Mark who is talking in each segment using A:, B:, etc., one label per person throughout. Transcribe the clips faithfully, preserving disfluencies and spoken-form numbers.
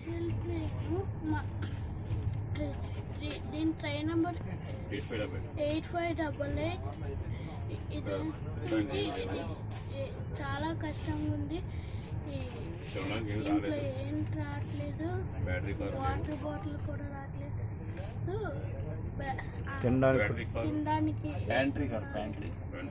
A: Special train దీని train number eight five double eight ఇది ఇది చాలా కష్టంగా ఉంది. ఇంట్లో ఏం రావట్లేదు, వాటర్ బాటిల్ కూడా రావట్లేదు. తినడానికి ప్యాంట్రీ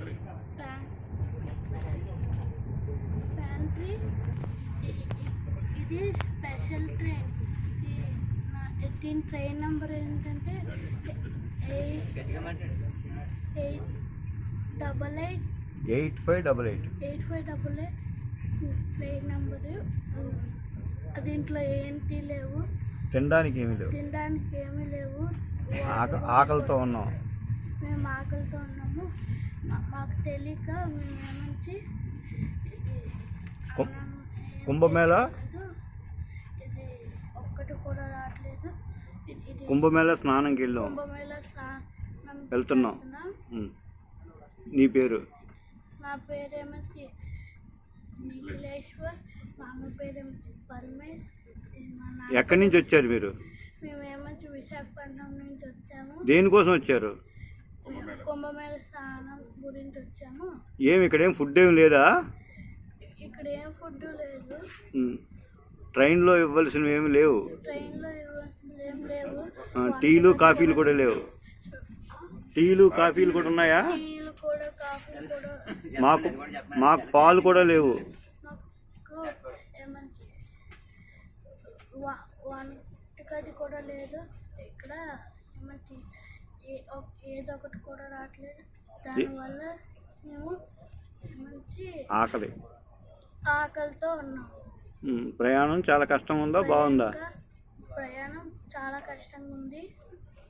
A: ఇది స్పెషల్ ట్రైన్. దీని ట్రైన్ నెంబర్ ఏంటంటే eight eight double eight
B: eight five double eight
A: eight five double eight train number. దీంట్లో ఏంటి లేవు,
B: తినడానికి ఏమీ లేవు,
A: తినడానికి ఏమీ లేవు.
B: ఆకలితో ఉన్నాం,
A: మేము ఆకలితో ఉన్నాము. మాకు తెలియక మేము ఏమంచి
B: కుంభమేళ
A: ఇది ఒక్కటి కూడా రావట్లేదు.
B: కుంభమేళ స్నానంకి వెళ్ళాం,
A: కుంభమేళ స్నానం
B: వెళ్తున్నాం. నీ పేరు?
A: నా పేరేమొచ్చి నిఖిలేశ్వర్, మా అమ్మ పేరేమొచ్చి పరమేష్.
B: ఎక్కడి నుంచి వచ్చారు మీరు?
A: మేమేమొచ్చి విశాఖపట్నం నుంచి వచ్చాము.
B: దేనికోసం వచ్చారు?
A: కుంభమేళ స్నానం గురించి వచ్చాము.
B: ఏమి ఇక్కడ ఏం ఫుడ్ ఏమి లేదా?
A: ఇక్కడ ఏం ఫుడ్ లేదు.
B: ట్రైన్లో ఇవ్వాల్సినవి ఏమి లేవు,
A: ట్రైన్లో ఇవ్వాల్సినవి ఏం లేవు.
B: టీలు కాఫీలు కూడా లేవు. టీలు కాఫీలు కూడా ఉన్నాయా?
A: టీలు కూడా కాఫీలు కూడా.
B: మాకు మాకు పాలు కూడా లేవు.
A: మాకు ఏమంచి వంటగది కూడా లేదు. ఇక్కడ ఏమంచి ఏదో ఒకటి కూడా రావట్లేదు. దానివల్ల మేము మంచి
B: ఆకలి
A: ఆకలితో ఉన్నాం.
B: ప్రయాణం చాలా కష్టం ఉందా, బాగుందా?
A: ప్రయాణం చాలా కష్టంగా ఉంది.